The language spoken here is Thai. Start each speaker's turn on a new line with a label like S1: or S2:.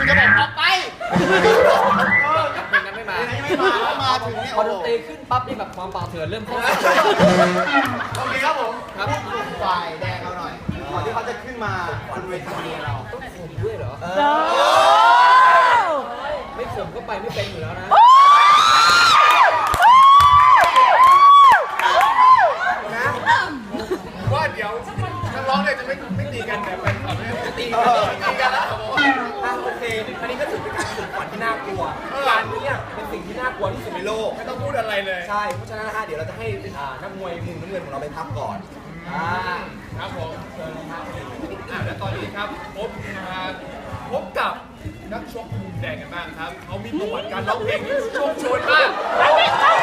S1: จะบอกออกไป
S2: เพลงนั้นไม่มา
S1: มาถึงเนี่ย
S2: พอดนตรีขึ้นปั๊บนี่แบบความป่าเถื่อนเริ่มเข้า
S1: โอเคครับผมพูดฝ่ายแดงเราหน่อยก่อนที่เขาจะขึ้นมาบนเวทีเรา
S2: ต้องข่มด้วยเหรอไม่ข่มก็ไปไม่เป็นอยู่แล้วนะ
S3: ว่าเดี๋ยวนักร้องเนี่ยจะไม่ตีกันแต่เป็นตีกันแล้ว
S2: โอเคอันนี้ก็ถือเป็นการฝึกฝนที่น่ากลัวการนี้เป็นสิ่งที่น่ากลัวที่สุดในโลก
S3: ไม่ต้องพูดอะไรเลย
S2: ใช่เพราะฉะนั้นนะฮะเดี๋ยวเราจะให้นักมวยมุมน้ำเงินของเราไปพักก่อน
S3: ครับผมและตอนนี้ครับพบกับนักชกมุมแดงกันบ้างครับเขามีประวัติการร้องเพลงที่โชคโชนมาก